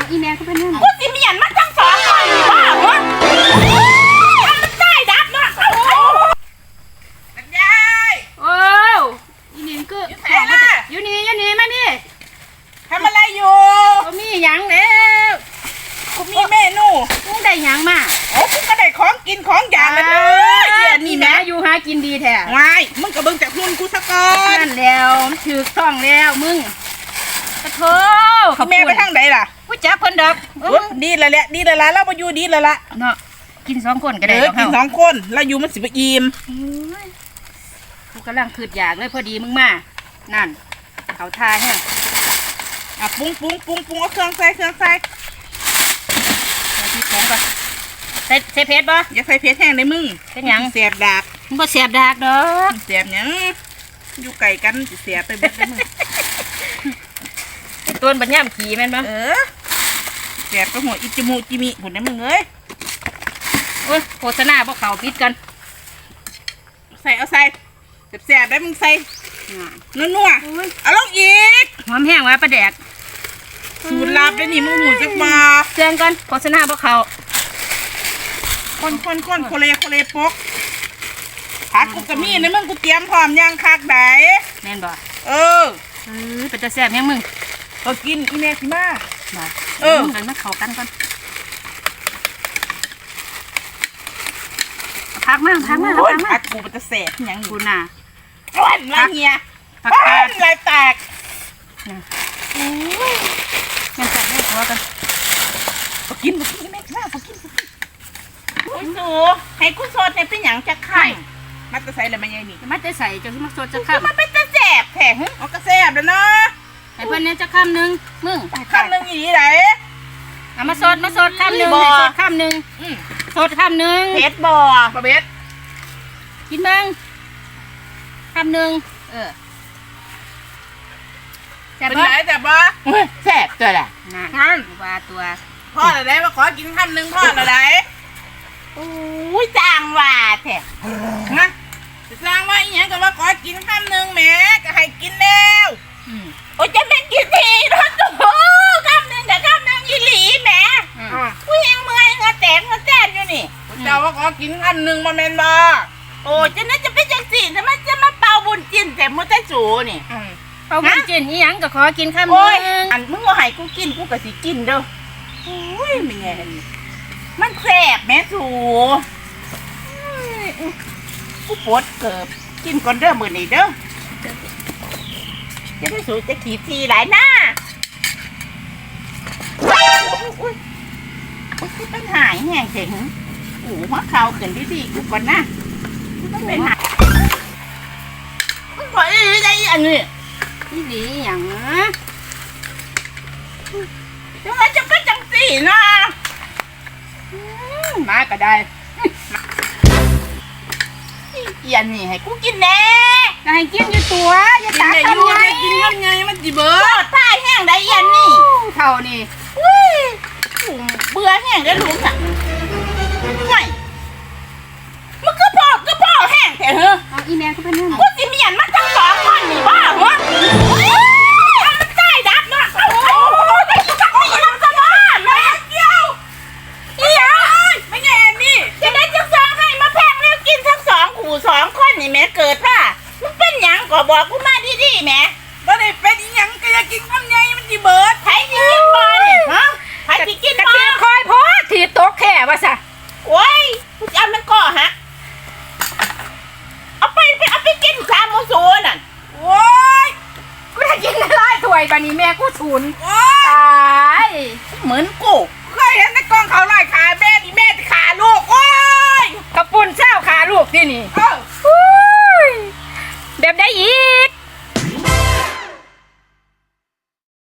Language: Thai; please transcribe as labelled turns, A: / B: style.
A: อีแม่ก็เป็นเรื่อง
B: กูสิเมียนมาทั้งสองคนนี่ว่าเหรอมันใต้ดับเนาะมันยาย
A: โอ้อีนี่ก็อยู่นี่มานี่
B: ทำอะไรอยู่
A: ก็มีหยังแล้ว
B: กูมีเมนู
A: มึงได้หยังมา
B: โอ้กูก็ได้ของกินของอย่างเลยนี่แม่
A: อยู่หากินดีแท้
B: วายมึงกับเบิ่งจากหุ่นกูซะก่อน
A: นั่นแล้วมันถือต้องแล้วมึงกระโถ
B: แม่ไปทางไหนล่ะ
A: กูจักเพิ่นดอก
B: ดีแล้วแหละดีแล้วละเราไปอยู่ดีแล้วละ
A: เนาะกิน2คนก็ได้
B: กินสองคนเราอยู่มันสิบอิ่ม
A: กูกำลังคืดอยากเลยพอดีมึงมานั่นเขาทาแห้ง
B: อ่ะปรุงเอาเครื่องใส่
A: ใส่พริกผงก่อนใส่เผ็ดบ่
B: อย่าใส่เผ็ดแห้งเลยมึง
A: เป็นหยัง
B: เสียบดาบ
A: มึงบ่เสียบดากดอก
B: เสียบหยังอยู่ไก่กันสิเสียบไปเบิดเลยมึง
A: ต้นบัญญัติขี่แม่นบ่
B: เสียบไปหัวอิจมูจิมิผุนได้มึงเอ้ย
A: โอ้ยโฆษณาบ่เข้าปิดกัน
B: เอาใส่เสียบได้มึงใส่นัวเอาลงอีก
A: หอมแห้งว่าปลาแดก
B: สูตรลับได้นี่มึงหูจักมา
A: เครื่องก่อนโฆษณาบ่เข้า
B: คนโคเลปกผักกูกะมีนะมึงกูเตรียมพร้อมย่างคักได
A: แม่นบ่ เป็นตาแซ่บแฮงมึง
B: ก็กินอีเมสิมา
A: บ่ กันมาเข้ากันก่อนพักมา
B: โอ้ยผักกูมันจะแสบหยังอยู่
A: กูน่ะ
B: ร้อนละเงีย
A: ผัก
B: ร้อนลายแตก
A: ยังใส่ให้ตัวกัน
B: ก็กินอีเมสิมาก็กินโอ้ยสูให้กูสดในเป็นหยังจะไข่มันจะใส่อะไรมาใหญ่นี่
A: มาจะใส่จะมาสดจะ
B: คือ
A: ค้ำ
B: มันเป็นตะแสบแท้อ๋อก็แสบแล้วเนาะ
A: ให้เพื่อนเนี่ยจะค้ำหนึ่งมึง
B: คำหนึ่งอีไหน
A: เอามาสดค้ำหนึ่งสดค้ำหนึ่งสดค้ำหนึ่ง
B: เพชรบ่ประเบ็ด
A: กินบ้างค้ำหนึ่งแซ่บ
B: เป็น
A: ปะ
B: ไรแต่บ่แสบตัวแหละ
A: น่ะ
B: งั้น
A: ว่าตัว
B: พ่ออะไรมาขอกินคำหนึ่งพ่ออะไรอุ้ยจางว่าแท้ฮะจางว่าอีหยังก็ว่าขอกินคำหนึ่งแหมก็ให้กินแล้วโอ้ยจะเป็นกี่ทีนะตัวคำหนึ่งแต่คำหนึ่งอีหลีแหมผู้หญิงเมื่อยเงาแตกเงาแตนอยู่นี่เจ้าว่าขอกินคำหนึ่งมาเมนบ่โอ้จะน่าจะเป็นจังสี่แต่มันจะมาเป่าบุญจินแต่มุตะจูนี่
A: เอาบุญจินอีหยังก็ขอกินค้ำห
B: โอ้ย
A: นึ่ง
B: อันมึงว่าให้กูกินกูก็สิกินเด้อโอ้ยไม่ไงมันแสบแม่สูกูปวดเกิบกินก่อนเด้อมื้อนี้เด้อจะได้สูจะขี่ทีหลายหน้าอุ้ยเป็นหายแห้งเจ๋งหัวเข่าเกินดีๆกูก่อนนะมันเป็นหายมันขออีได้อันนี้
A: อีหลีอหย่างนะ
B: จังไรจะเป็นจังสี่นะมาก็ได้เกียนนี่ให้กูกินแน่
A: ก็ให้กินอยู่ตัวอย่า
B: กิน
A: ตา
B: ได้
A: ทำ
B: อยู่
A: ไง
B: ได้กินทำไงมันจีเบิร์ดท่าแห้งได้เย็นนี่
A: เท่านี่
B: อุ้ยเบื่อแห้งได้หลุมอ่ะไม่มันก็พอแห้งแท้เหรอ
A: เอาอีแม่ก็เป็นเรื่อง
B: กูสิเมียนมาทั้งสองคนนี่บ้าเหรอมันใต้ดับเนาะโอ้ยนี่น้ำสมานแม่เกี่ยวนี่เหรอไม่ไงอันนี้จะได้จังสองให้มาแพงแล้วกินทั้งสองขู่สองคนนี่แม่เกิดป่ะมันเป็นหยังก็บอกกูมาดีๆแม่บ่ได้เป็นหยังก็อยากกินคำใหญ่มันสิเบิดไผสิกินบ่นี่ฮะไผสิกิน
A: กระ
B: บ่
A: เทียมคอยพอถีบตกแค่ว่าซะ
B: โอ้ยกูจะเอามันก่อฮะเอาไปกินสามโมโซนั่นโอ้ย
A: กูได้กินอะไรถ้วยบานี้แม่กูฉุน
B: โอ้ย
A: ตาย
B: เหมือนกูเคยเห็นในกองเขาลอยขาแม่นี่แม่จะขาลูกโอ้ย
A: กระปุ่นเช้าขาลูกที่นี่
B: เออ
A: อุ้ยแบบได้อีก